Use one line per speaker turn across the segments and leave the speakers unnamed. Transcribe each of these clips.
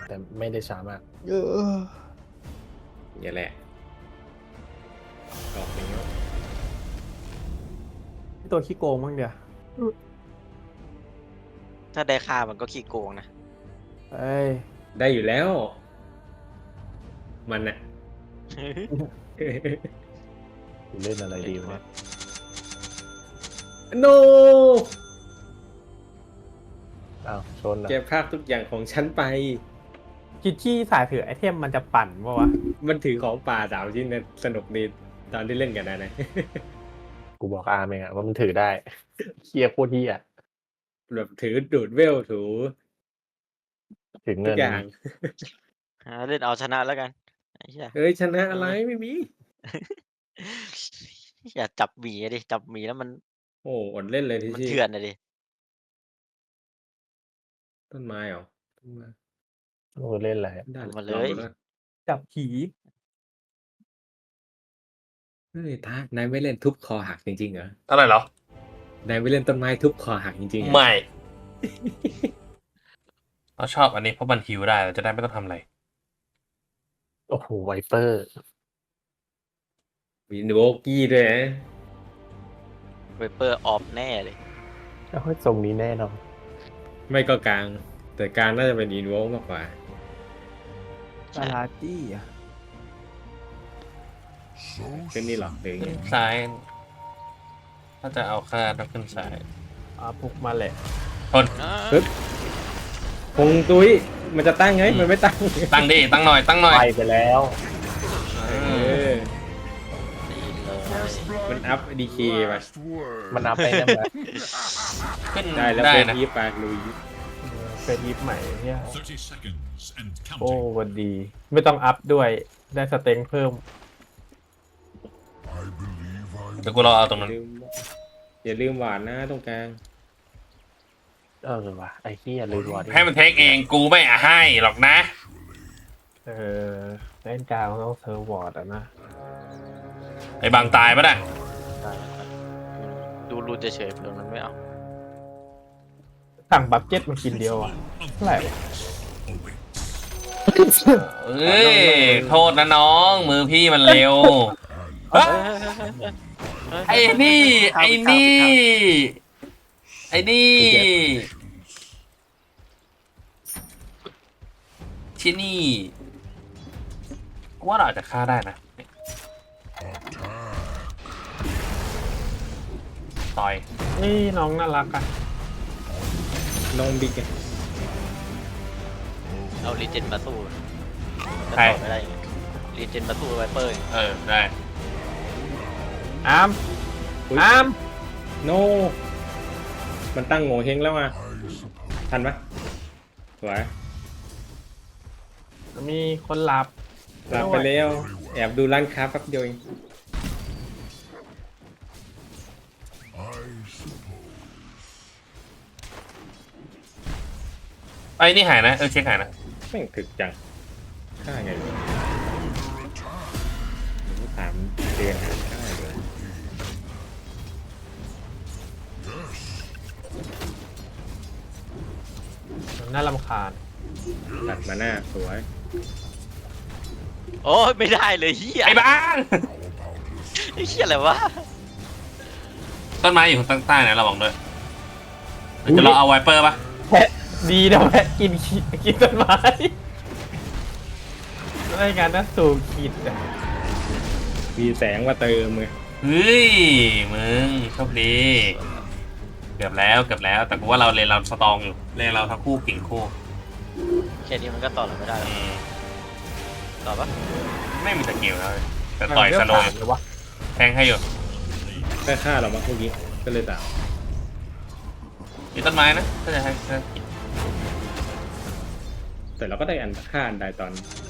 แต่ไม่ได้ช้ามาก
อย่าแหละออกนี้ว
ตัวขี้โกงมั้งเดียว
ถ้าได้ค่ามันก็ขี้โกงนะ
เอ้ย
ได้อยู่แล้ว มันอะ
กูเล่นอะไรดีวะ
โน
อ้าวชนเหรอ
แกภาคทุกอย่างของฉันไป
คิดที่สายถือไอเทมมันจะปั่นปะวะ
มันถือของป่า3 ชิ้นเนี่ยสนุกดีตอนที่เล่นกันนะ
กูบอกอาร์มเองอะว่ามันถือได้ เคียโคตรเฮีย
แบบถือดูดเวลถู
ถึง
ทุ
เงิ
ก
น
อย่าง
เล่นเอาชนะแล้วกันไอ้เหี้ย
เอ้ยชนะอะไรไม่มี
อย่าจับหมีอะดิจับหมีแล้วมัน
โอ้อดเล่นเลยที่
มัน
ที่
เถื่อนอะดิ
ต้นไม้เหรอต้นไม้
กูเล่นอะไร
ได้
เอามา
ล
เล
อง
ย
ดูแล้ว
จับผี
เฮ้ยตานายไม่เล่นทุบคอหักจริงๆเหรอ
อะไรเหรอ
นายไม่เล่นต้นไม้ทุบคอหักจริงๆเหรอ
ไม่ เราชอบอันนี้เพราะมันฮิวได้เราจะได้ไม่ต้องทำอะไร
โอ้โหไวเปอร์
มีโบกี้ด้วยนะ
เวเปอร์ออฟแน่เลย
เอาให้ทรงนี้แน่นอน
ไม่ก็กลาง แต่กลางน่าจะเป็นอินโวมากกว่า
ซาลาจี้อะ
ขึ้นนี่หรอหรือไง
ซ้าย ถ้าจะเอาค่าต้องขึ้นซ้าย
พุกมาแหละ
ทน
ปึ๊บคงตุ้ยมันจะตั้งไงมันไม่ตั้ง
ตั้งดิ ตั้งหน่อย ตั้งหน่อย
ไปแล้ว
เออมันอัพดีเคไป
มันนับไปได้ไหม
ขึ้น
ได้แล้ว
ได้
เป็น
นะ
ยีปากลุย
เป็นยิปใหม่เนี่ย
30 seconds and
โอ้
counting.
วันดี ไม่ต้องอัพด้วย ได้สเต็งเพิ่ม
เดี๋ยวกูรอเอาตรงนั้น
อย่าลืมหวานนะตรงกลาง
ว่ะไอ้เฮียลืมวอร์ด
ให้มันเทคเอง กูไม่ให้หรอกนะ
เล่นกลางต้องเซอร์วอร์ดอะนะ
ไอ้บางตายปะน่ะ
ดูรูนเฉยๆเผื่อมันไม่เอา
สั่งบัฟเจ็ตมากินเดียวอะเท่าไหร่วะ
เอ้ย โทษนะน้อง มือพี่มันเร็ว ไอ้นี่ ไอ้นี่ ไอ้นี่ที่นี่กูว่าเราอาจจะฆ่าได้นะต่อย
นี่น้องน่ารักอะ
น้องบิ๊กอะ
เอารีเจนมาสู้
ใคร
จะต่อไม่ได้ไงรีเจนมาสู้ไวเปอร์
เออ ได้
อาร์ม
อุ๊ย
อาร์ม
โน มันตั้งโง่เฮงแล้วมาทันปะสวย
มีคนหลับ
หลับไปแล้วแอบดูร้านค้าแป๊บเดียวเอง
ไอ้นี่หายนะ เช็คหายนะ
แม่งถึกจังค่าไงวะถามเดือนหาค่าเลย
น่ารำคาญ
ตัดมาหน้าสวย
โอ้ยไม่ได้เลยเฮีย
ไอ้บ้าง
ไอ้เฮียอะไรวะ
ต้นไม้อยู่ข้างใต้นะระวังด้วยเดี๋ยวจะเราเอาไวเปอร์ปะ
แพะดีนะแพะกินต้นไม้รายงานน่าสูงขีดอะ
มีแสงมาเติมเลย
เฮ้ย มึงโชคดี เกือบแล้ว แต่กูว่าเราเลนเราสตรองอยู่ เลนเราทั้งคู่กิ่งคู่
แค่นี้มันก็ต่อเราไม่ได้หรอก
อืม
ต่อปะ
ไม่มีสกิลแล้วแต่ต่อยสโลว์อยู่
เลยวะ
แทงให้อยู่
ได้ค่าเรามาพวกนี้ก็เลยตาม
มีต้นไม้นะก็จะให้กิน
แต่เราก็ได้อันค่าอันใดตอน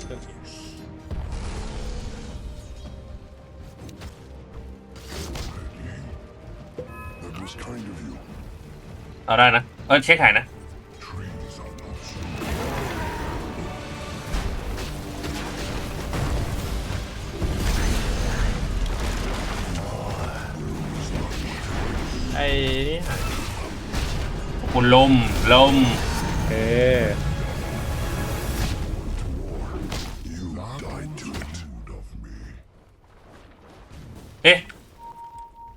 เอาได้นะเช็คหายนะ
ไอ้นี่หาย
คุณลม
เออ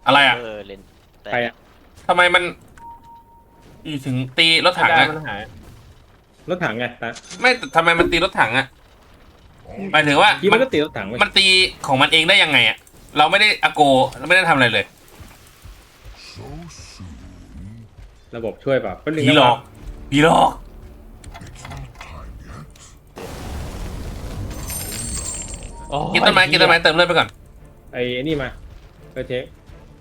อะไรอ่ะ
เล่นแต่
ใครอะ
ทำไมมันอยู่ถึงตีรถถัง
ได้
อะ
มันหาย
รถถังไงตา
ไม่แต่ทำไมมันตีรถถังอะหมายถึงว่า
กี้
มั
มัน นก็ตีรถถังไป
มันตีของมันเองได้ยังไงอะเราไม่ได้อโกเราไม่ได้ทำอะไรเลย
ระบบช่วยเปล่าเป็นหนึ่ง
ผีหลอกผีหลอก
โอ้ย
กินต้นไม้กินต้นไม้เติมเลือดไปก่อน
ไอ้นี่มาไปเช็ค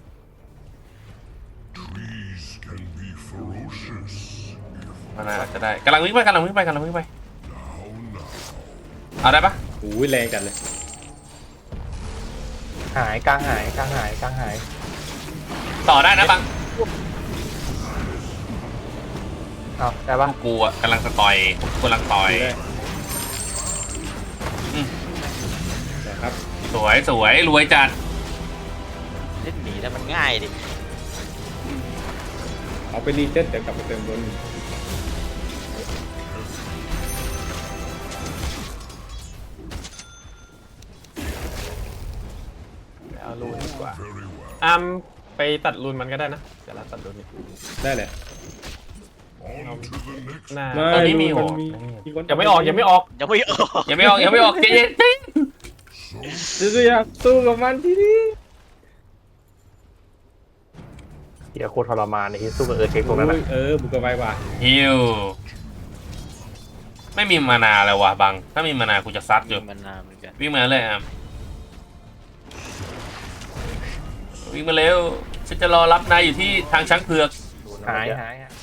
มันอาจจะได้กำลังวิ่งไปเอาได้ปะ
โอ้ยแรงจัดเลย
หายกลางหายกลางหายกลางหาย
ต่อได้นะบัง
เอาได้ปะ
กูอะกำลังจะต่อยกำลังต่อย
ดูได้
อืม
นะครับ
สวยรวยจัด
เล่นหนีแล้วมันง่ายดิ
เอาไปรีเซ็ตเดี๋ยวกลับไปเติมบน
เอารูนดีกว่าไปตัดรูนมันก็ได้นะเดี๋ยวเราตัดรูนนี่
ได้เลย
เอาหน้า
ตอนนี้มี
น
หัว
คน
ยังไม่ออก
ยังไม่ออก
ยังไม่ออกใจเย็น
สู้อยากสู้กับมันที่นี่
เฮียโคตรทรมานในที่สู้กับเช็คพวกนั้น
โอ้
อะ
ยบุกกระไวว่ะ
ฮิวไม่มีมานาเลยว่ะบังถ้ามีมานากูจะซัดอยู่
มันนานเหมือนกัน
วิ่งมาเลยอ่ะวิ่งมาเร็วฉันจะรอรับนายอยู่ที่ทางช้างเผือก
หาย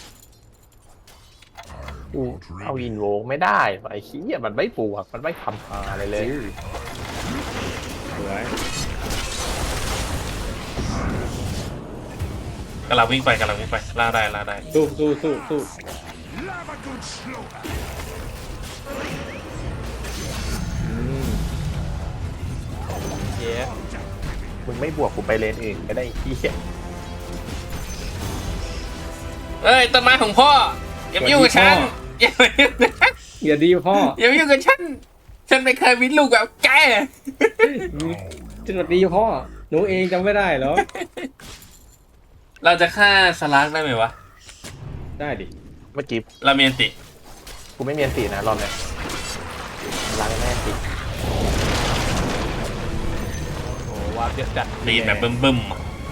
กูเอาอินโวไม่ได้ไอ้ขี้ยมันไม่ปวกมันไม่ทำอะไรเลย
สวย
กำลังวิ่งไปล่าได้
สู้อืม
เย้
มึงไม่บวกกูไปเลนอื่นก็ได้ไอ้ขี้ย
เอ้ยต้นไม้ของพ่ออย่ามายุ่งกับฉันอย่ามายุ่งกับฉัน
อย่าดีพ่อ
อย่ามายุ่งกับฉันไม่เคยมีลูกแบบแก
สวัสดีพ่อหนูเองจำไม่ได้เหรอ
เราจะฆ่าสลักได้ไหมวะ
ได้ดิ
เมื่อกี้
เราเมียนติ
กูไม่มีอันตีนะรอบเนี้ยล้างแม่อันตี
โอ้วาร์ปเยอะจัด
ตีแบบบึ้มๆอะ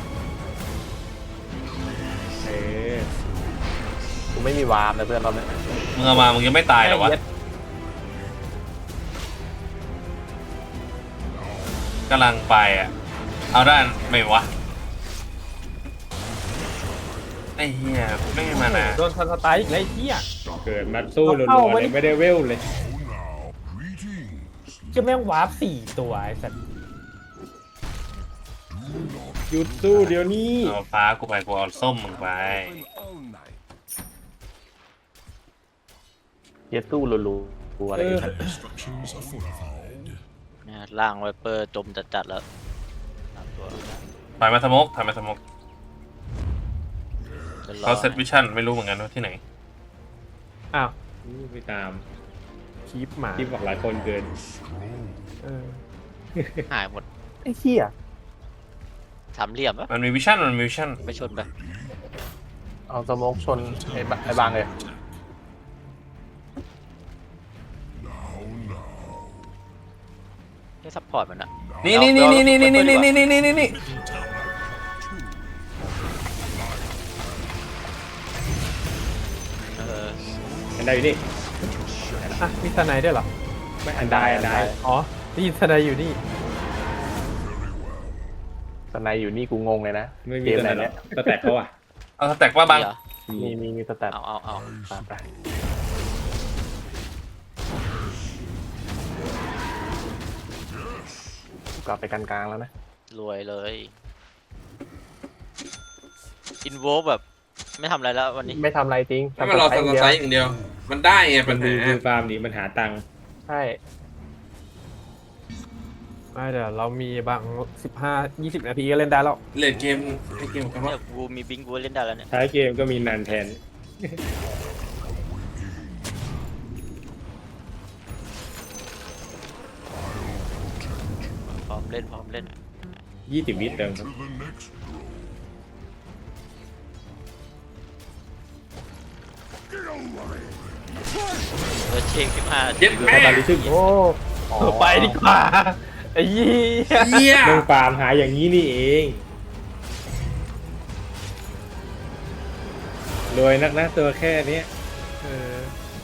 เออ
กูไม่มีวาร์มนะเพื่อนรอบเนี้ย
มึงเอามามึงยังไม่ตายเหรอวะกำลังไปอ่ะเอาด้านไม่วะไอ้เหี้ยไม่มีมานา
โดนสไตล์อีกแล้วไอ้เหี้ย
เกิดมาสู้รัวๆเลยไม่ได้เวลเลย
จะแม่งวาร์ป4 ตัวไอ้สัตว์
หยุดสู้เดี๋ยวนี้
เอาฟ้ากูไปกูเอาส้มมึงไป
เฮียสู้รัวๆอะไรอย่างเงี้ย
เนี่ยล่างไวเปอร์จมจัดๆแล้วตามตัว
ถอยมาสโมก
จะรอ
เขาเซตวิชั่นไม่รู้เหมือนกันว่าที่ไหน
อ้าว
ไปตาม
คีปหมา
ที่บอกหลายคนเกิน
เออ
หายหมด
ไอ้เหี้ย
สามเหลี่ยมปะ
มันมีวิชั่น
ไปชนไป
เอาสโมกชนไอ้บางเลย
ให้ซัพพอร์ตมันอะ
นี่
เออ
อันใดอยู่นี่
อ่ะมีทนายด้วยเหรอ
ไม่อันใด
อ๋อได้ยินทนายอยู่นี่
สไนอยู่นี่กูงงเลยนะ
ไม่มี
เกม
ตัว
ไห
ไห
น
นหร
เนี่
อย กสแต็กเขาอ่ะ
เอาสแต็กว่าบัง
เหรอ
มีสแตท
เอา
ไปกลับไปกันกลางแล้วนะ
รวยเลยอินโวแบบไม่ทำอะไรแล้ววันนี้
ไม่ทำอะไรจริง
ถ้ามันรอสไซส์อย่างเดียว มันได้ไงปัญ
ดู
หา
ฟาร์มดีมันหาตังค์
ใช่
ไม่เดี๋ยวเรามีบาง15-20 นาทีก็เล่นได้แล้ว
เลดเกมให้เกมกันว่า
เนี่ยกูมีบิงกูเล่นได้แล้วเนี่ย
ท้ายเกมก็มีนันแทน
พร้อมเล่น
20 วิเติมครับ
ตัวเช็คขึ้นมา
เย็ดแม่
ตาลิทึม
โอ้อ๋อ
ไปดีกว่าไอ้ยี่
เหี้ย
เรื่องฟาร์มหาอย่างนี้นี่เองรวยนักนะตัวแค่เนี้ยเออ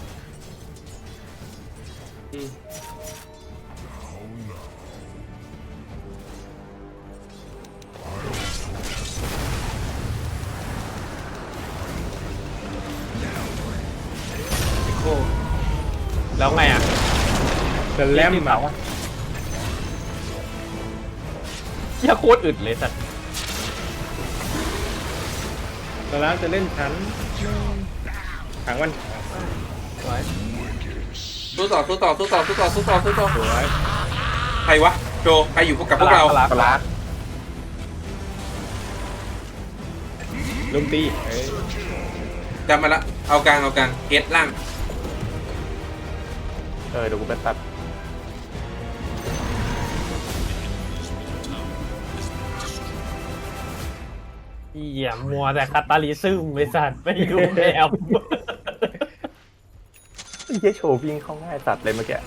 แล้วไงอ่ะ
จะแลม
ที่
มา
เสาอะเหี้ยโคตรอึดเลยสัตว์
ตอนนั้นจะเล่นชั้นขังมัน
ไว้
สู้ต่อใครวะโจใครอยู่กับพวกเรา
ปลา
ลุมตีเอ้ย
จำมาละเอากลางเกตล่าง
เดี๋ยวกูไปตัด
เหี้ยมัวแต่คาตาลิซึมไอ้สัตว์ไม่รู้แนว
ไอ้เหี้ยโชว์วิ่งเข้าง่ายสัตว์เลยเมื่อกี้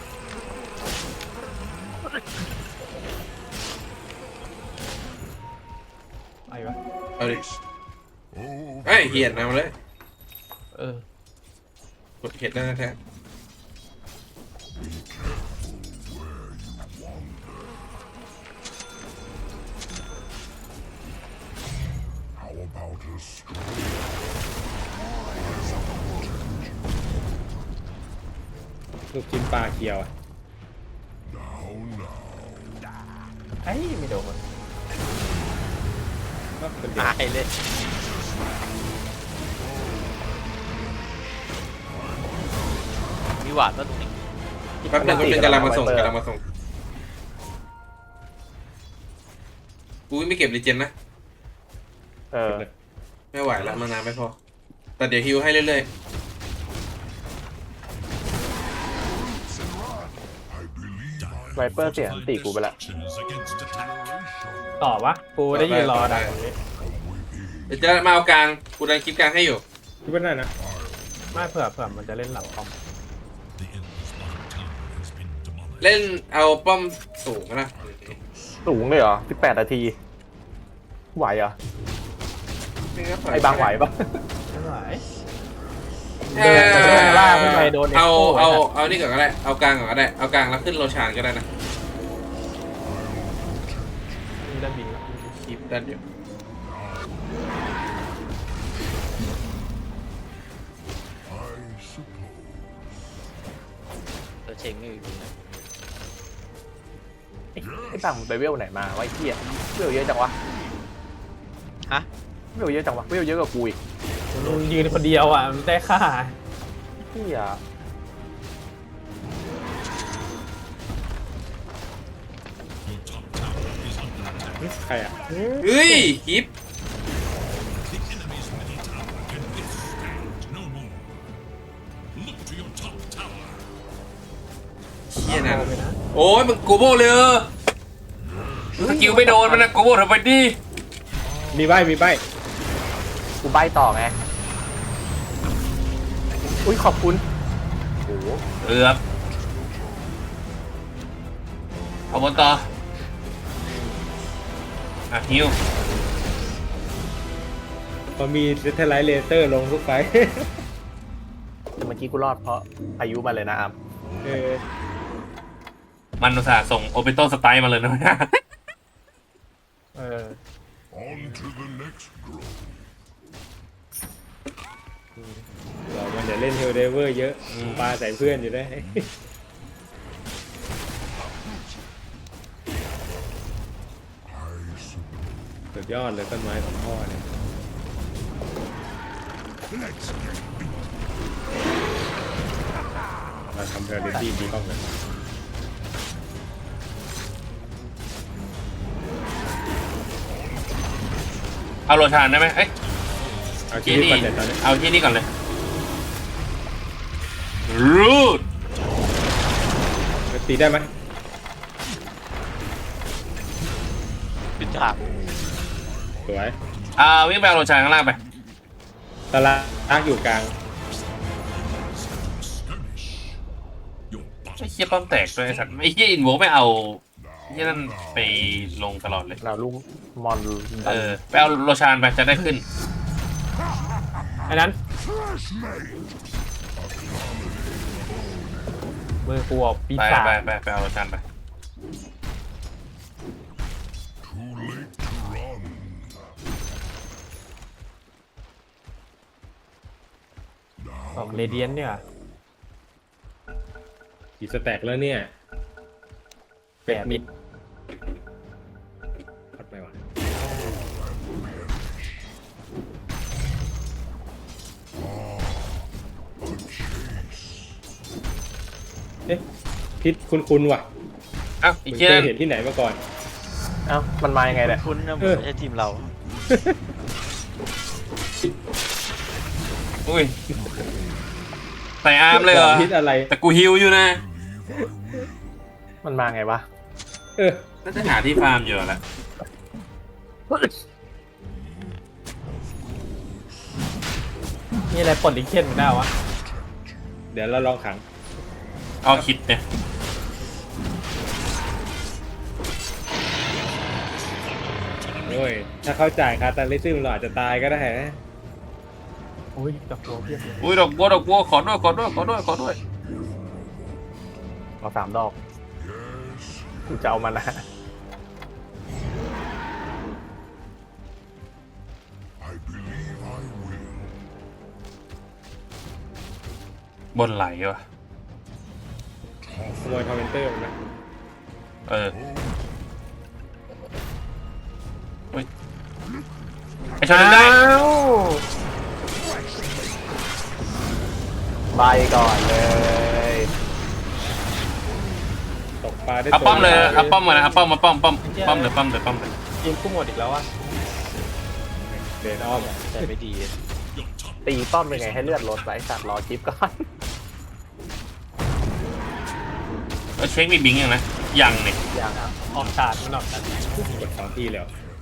ไปวะ
เอาดิไอ้ยเหียดนำเลย
เออก
ดเห็ดแล้วนะแท้
ลูกชิ้นปลาเคียวอ่ะ
ไอ้ไม่โดน
ก็เป็นเด็ก
หายเลย มีหวานป่ะตรงนี้
แป๊บนึงก็เป็นกำลังมาส่งกูไม่เก็บรีเจนนะ ไม่ไหวแล้วมานานไม่พอแต่เดี๋ยวฮิวให้เรื่อย
ไวเปอร์เสียอันตีกูไปละ
ต่อวะกูได้ยืนรอได้
ๆเดี๋ยวจะมาเอากลางกูดันคลิปกลางให้อยู่
คิดว่าได้นะ
ไม่เผื่อมันจะเล่นหลังคอม
เล่นเอาป้อมสูงนะ
สูงเลยเหรอ18 นาที ไหวเหรอ ไอ้บางไหวปะ
ไม่ไหว
เออ
โดนล่าขึ้นไปโดน
เอานี่ก่อนก็ได้เอากลางก่อนก็ได้เอากลางแล้วขึ้นโรชานก็ได้นะ
มีด้านบินแล้ว
คลิปด้านเดียว
ตัวเช็คไม่มีนะ
ไอ้บางมันไปเวลไหนมาไวะไอ้เหี้ยเวลเยอะจังวะ
ฮะ
เวลเยอะจังวะเวลเยอะกว่ากูอีก
มึงยืนคนเดียวอ่ะมันได้ค่า
เหี้ย
ใครอ่ะ
เฮ้ยคลิปเฮียนั่นโอ้ยมึงโกโบเลยสกิลไม่โดนมันนะโกโบทำไมดิ
มีใบมีใบ
กูใบต่อไงอุ้ยขอบคุณโอ้โห
เอือบเอาบนต่ออ่ะฮิว
พอมีเซตไลท์เลเซอร์ลงทุกไฟ
แต่เมื่อกี้กูรอดเพราะอายุมาเลยนะอัม
เออ
มันอุตส่าห์ส่งโอเปโตสไตล์มาเลยนะ
เออ
เรามันเดี๋ยวเล่นเฮลเดเวอร์เยอะปลาใส่เพื่อนอยู่ได้ สุดยอดเลยต้นไม้ของพ่อเนี่ยมาทำเทอร์เรตี้ดีบ้างเลย
เอาโรชานได้ไหมเอ้ย
เอาชี
ที่
วิต
นี่
ก่อนเด็ดตอนนี้
เอาที่นี่ก่อนเลยรูด
ตีได้ไหม
เป็นฉาก
สวย
วิ่งไปเอาโรชานข้างล่างไป
ตะลากอยู่กลาง
ไอ้เหี้ยป้อมแตกด้วยไอ้สัตว์ไอ้เหี้ยอินโวไม่เอาไอ้เหี้ยนั่นไปลงตลอดเลย
เราลูกมอนดั
เอน อไปเอาโรชานไปจะได้ขึ้น
อันนั้นมือกูออกปี
ไป
ศาจ
ไปเอาโรชานไป
ออกเรเดียนเนี่ย
กี่สแต็กแล้วเนี่ย
แปดมิด
พัดไปวะเอ๊ะพิษคุ้นๆว่ะ
อ้าวไอ้
มึง
เหี้ย
เค
นั่
ย
น
เห็นที่ไหนมาก่อน
เอ้ามันมายังไงเนี่ย
คุณนะ
เออ
ไม่ใช่ทีมเรา
อุ้ยใส่อาร์มเลยเหรอ
พิษอะไร
แต่กูฮิวอยู่นะ
มันมาไงวะ
เออ
น่าจะหาที่ฟาร์มอยู่แหละ
นี่อะไรปลดลิงเคนมึงได้วะ
เดี๋ยวเราลองขัง
เอาคิดเนี่ย
โอ้ยถ้าเขาจ่ายคาตาลิซึมเราอาจจะตายก็ได้นะ
อุ้ยตะโกนเพียบเลย
อุ้ยดอกบัวขอด้วย
เอา3 ดอกกูจะเอามันนะ
บนไหลว่ะ
ขโมยคอมเมนเตอร์มันนะ
เอออุ้ยไอชอนได้
อ้าว
ใบก่อนเลย
ตกปลาได้
เอาป้อมเลย
ตัว
เอาป้อมมาเลยเอาป้อมมาป้อมเลย
ทีมกูหมดอีกแล้ววะ
เดินอ้อม
แต่ไม่ดี
ตีป้อมยังไงให้เลือดลดไว้สัตว์รอคลิปก่อน
เช็คมีบิงยังนะยังเนี่ย
อย่างอ่ะ
ออกชาร์จมันออกชาร์จ
กด2 ทีแล้ว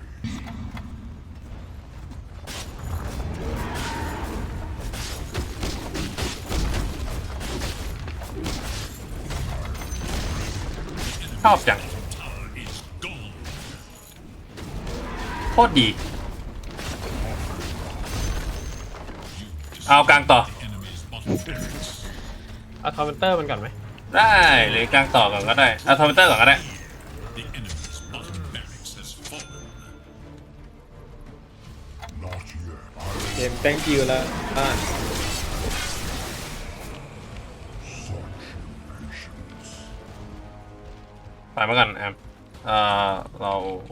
ชอบจังโคตรดีเอากลางต่อ
เอาคอมเมนเตอร์มันก่อนไหม
ได้หรือกลางต่อก่อนก็ได้เอาทอมเตอร์ก่อนก็ได้
เกม thank you แล้วบ้าน
ไปมาก่อนแอมเรา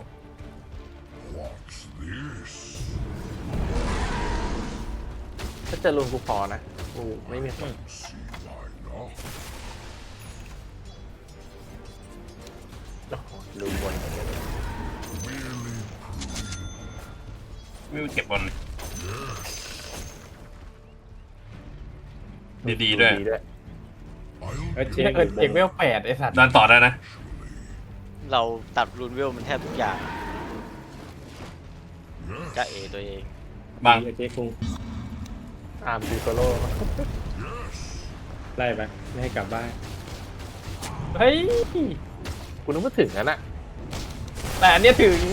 ถ้าเจะลุนกูพอนะกูไม่มีคนโอ้โหลุนบน
ไม่เก็บบอลดีๆด้วย
เจ
เอกเอกเวล8ไอสัตว์
ดันต่อได้นะ
เราตัดรูนเวลมันแทบทุกอย่างจะเอตัวเอง
บาง
เจ๊คุง
อาร์มซีโซโล่
ไล่ไปไม่ให้กลับบ้าน
เฮ้ย
กูนึกว่าถึงแล้วน่ะ
แต่อันเนี้ยถึง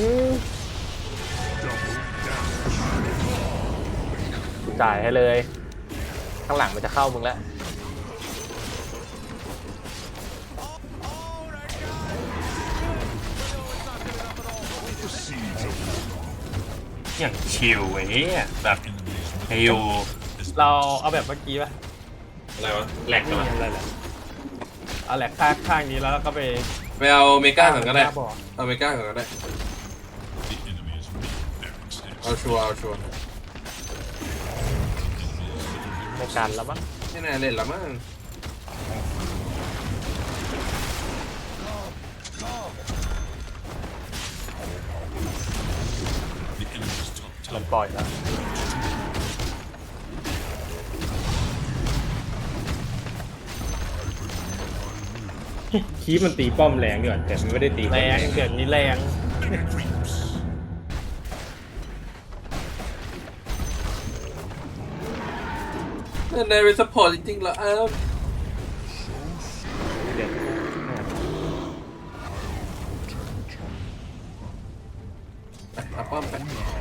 กูจ่ายให้เลย ข้างหลังมันจะเข้ามึงแล้ว
อย่างชิลเว้ยแบบฮิว
เราเอาแบบเมื่อกี้ป่ะ
อะไรวะแหลกกัน
อะไรล่ะ
เอาแหละข้างนี้แล้วก็ไป
ไปเอาเมก้าก่อนก็ได้
บ่อ
เอาเมก้าก่อนก็ได้เอาชัวร์
ในการแล้วมั้ง
ไม่น่าเล่นละมั้ง
มันปล่อยแล้ว
คีบมันตีป้อมแรงดีกว่าแต่มันไม่ได้ตี
แรงเกิดนี้แรง
ในเป็นซัพพอร์ตจริงๆเหรอ
เดี๋ยว
ป้อมไป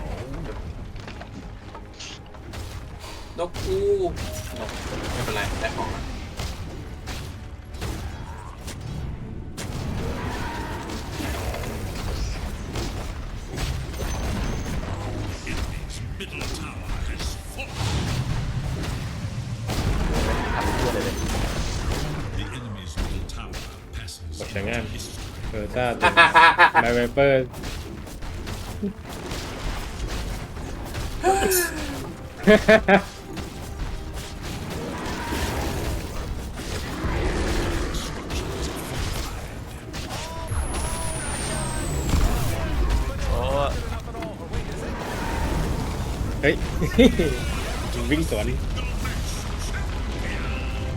นกกูนกไม่เป็นไรได้ของแล้ว
ทำเพื่อเลยเลย
กดแต่งงานถ้าไมไวเปอร์
โอ้
เฮ้ย วิ่งสวน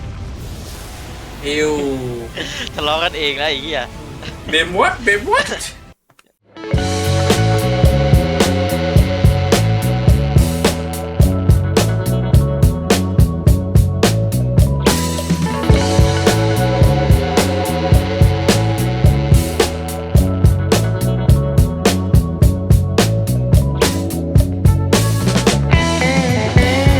อิว
ทะเลาะกันเองแล้วไอ้เหี้ย
เบมวัด